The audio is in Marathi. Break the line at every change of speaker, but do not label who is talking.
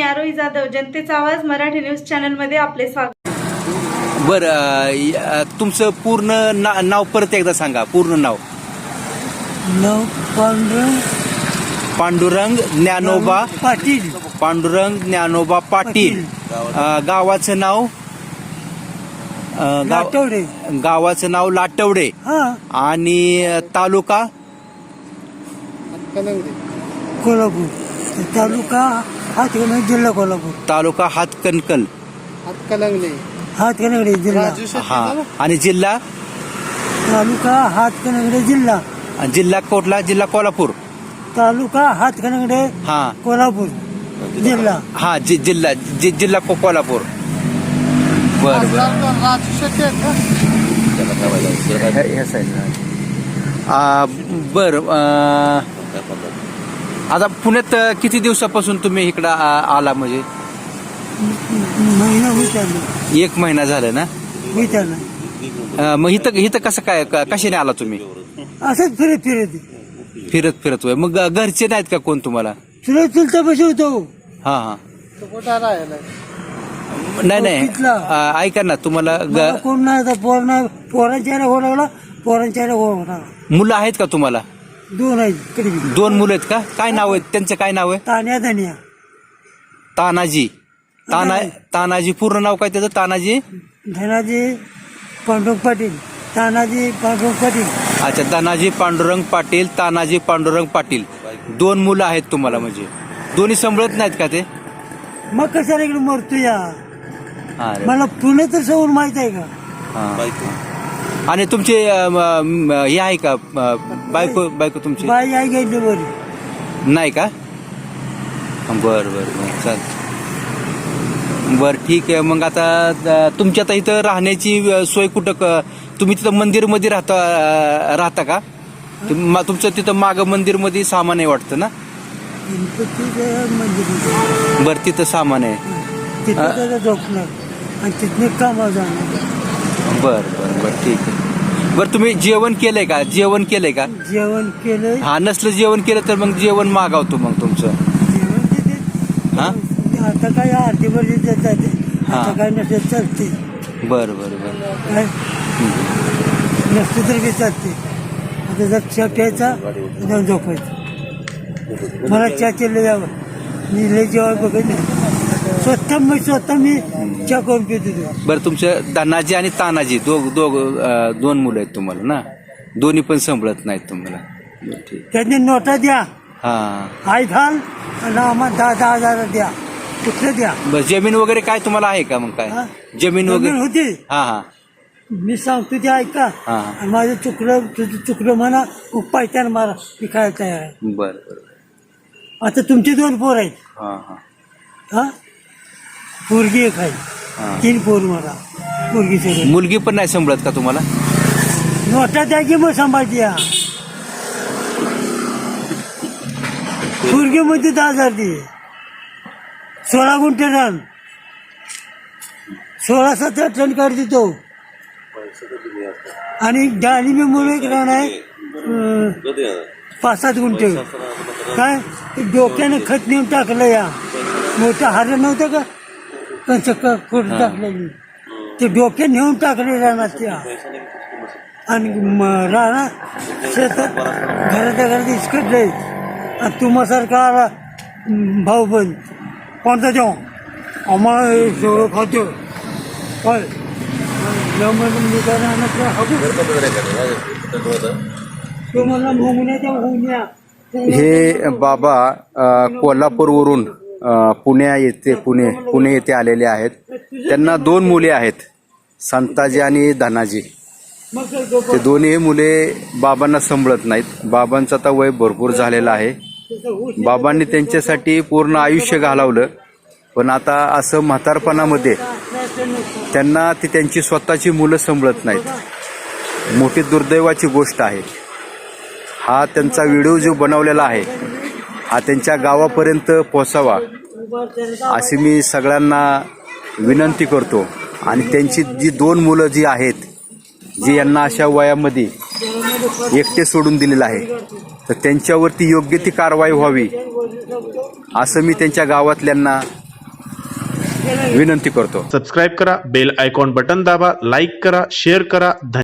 आरोही जाधव, जनतेचा आवाज मराठी न्यूज चॅनल मध्ये आपले स्वागत.
बरं, तुमचं पूर्ण नाव परत एकदा सांगा. पूर्ण नाव. पांडुरंग ज्ञानोबा
पाटील.
पांडुरंग ज्ञानोबा पाटील. गावाचं नाव
लाटवडे.
गावाचं नाव लाटवडे. आणि तालुका
कोल्हापूर. तालुका हातकणंगले, जिल्हा कोल्हापूर.
तालुका हातकणंगले.
हातकणंगले जिल्हा.
हा. आणि जिल्हा
तालुका हातकणंगले जिल्हा.
जिल्हा कोटला? जिल्हा कोल्हापूर.
तालुका हातकणंगले
हा.
कोल्हापूर जिल्हा.
हा. जिल्हा कोल्हापूर. बर बर. आता पुण्यात किती दिवसापासून तुम्ही इकडं आला? म्हणजे
महिना होत.
1 महिना झाला ना? मग इथं कसं काय, कशाने आला तुम्ही?
असंच फिरत
फिरत होय. मग घरचे नाहीत का कोण तुम्हाला?
चुलता पैसे होतो.
हा. नाही ऐका ना, तुम्हाला
कोण नाही. पोरांच्या हो लागला. पोरांच्या हो लागला.
मुलं आहेत का तुम्हाला?
2 आहेत.
2 मुलं आहेत का? काय नाव आहे त्यांचं? काय नाव आहे?
तान्या धनिया.
तानाजी. तानाजी पूर्ण नाव काय त्याचं? तानाजी
धनाजी पांडुरंग पाटील. तानाजी पांडुरंग पाटील.
अच्छा. धनाजी पांडुरंग पाटील, तानाजी पांडुरंग पाटील. 2 मुलं आहेत तुम्हाला. म्हणजे दोन्ही सांभाळत नाहीत का ते?
मग कशाला इकडे मरतो या? मला पुणे तर सगळं माहित आहे का?
आणि तुमचे हे आहे का बायको तुमची?
बाई आई गेली बरी.
नाही का? बर चाल. बर ठीक आहे. मग आता तुमच्या आता इथं राहण्याची सोय कुठं? तुम्ही तिथं मंदिर मध्ये राहता का? तुमचं तिथं माग मंदिर मध्ये सामान आहे वाटतं ना? बर तिथं सामान आहे.
तिथं झोपणार आणि तिथनं कामावर जाणार.
बर ठीक आहे. बर तुम्ही जेवण केलंय का? जेवण
केलंय.
हा. नसलं जेवण केलं तर मग जेवण मागावतो मग तुमचं.
जेवण
हा.
आता काय आरतीवर देतात. आता काय नसेल चालते.
बर
काय नसतं तर काही चालते. आता जर चहा प्यायचा जाऊन झोपायचं. मला चहा केलं यावं. मी लय जेव्हा बघत नाही. स्वतः मी चहा करून पितो.
बरं. तुमचं धनाजी आणि तानाजी 2 मुलं आहेत तुम्हाला ना? दोन्ही पण सांभाळत नाहीत तुम्हाला. ठीक.
त्यांनी नोटा द्या.
हा.
आई घाल आणि आम्हाला 10,000 द्या. कुठलं द्या.
बरं. जमीन वगैरे काय तुम्हाला आहे का? मग काय जमीन वगैरे
होती?
हा.
मी सांगतो ते ऐका. आणि माझं चुकलं, तुझं चुकलं म्हणा. पायत्यान मारा. मी काय तयार आहे.
बरं.
आता तुमचे 2 पोर आहेत. हा. पोरगी एक आहे. 3 पोर मला. पोरगी
मुलगी पण नाही सांभाळत का तुम्हाला?
नोटा द्या की मग सांभाळते या. पोरगी मध्ये 10,000 दे. 16 गुंठे रान. 16-17 टन काढ देतो. आणि डाळिंबी मुळे एक रान आहे 5-7 गुंठे. काय डोक्यानं खत नेऊन टाकलं या. मोठं हार नव्हतं का? खोट टाकलेली ते डोक्यात नेऊन टाकले रानात त्या. आणि राणा शेतात घराच्या घरात इसकडले. आणि तुम्हासारखा आला भाऊ बंद कोणता जेव्हा आम्हाला सगळं खातो काय तुम्हाला होऊन.
हे बाबा कोल्हापूरवरून पुणे येथे आलेले आहेत. त्यांना 2 मुले आहेत, संताजी आणि धनाजी. ते दोन्ही मुले बाबांना सांभाळत नाहीत. बाबांचं आता वय भरपूर झालेलं आहे. बाबांनी त्यांच्यासाठी पूर्ण आयुष्य घालवलं. पण आता असं म्हातारपणामध्ये त्यांना ती त्यांची स्वतःची मुलं सांभाळत नाहीत. मोठी दुर्दैवाची गोष्ट आहे. हा त्यांचा व्हिडिओ जो बनवलेला आहे हा त्यांच्या गावापर्यंत पोहोचावा अशी मी सगळ्यांना विनंती करतो. आणि त्यांची जी 2 मुलं जी आहेत, जी यांना अशा वयामध्ये एकटे सोडून दिलेलं आहे, तर त्यांच्यावरती योग्य ती कारवाई व्हावी असं मी त्यांच्या गावातल्यांना विनंती करतो.
सबस्क्राईब करा, बेल आयकॉन बटन दाबा, लाईक करा, शेअर करा.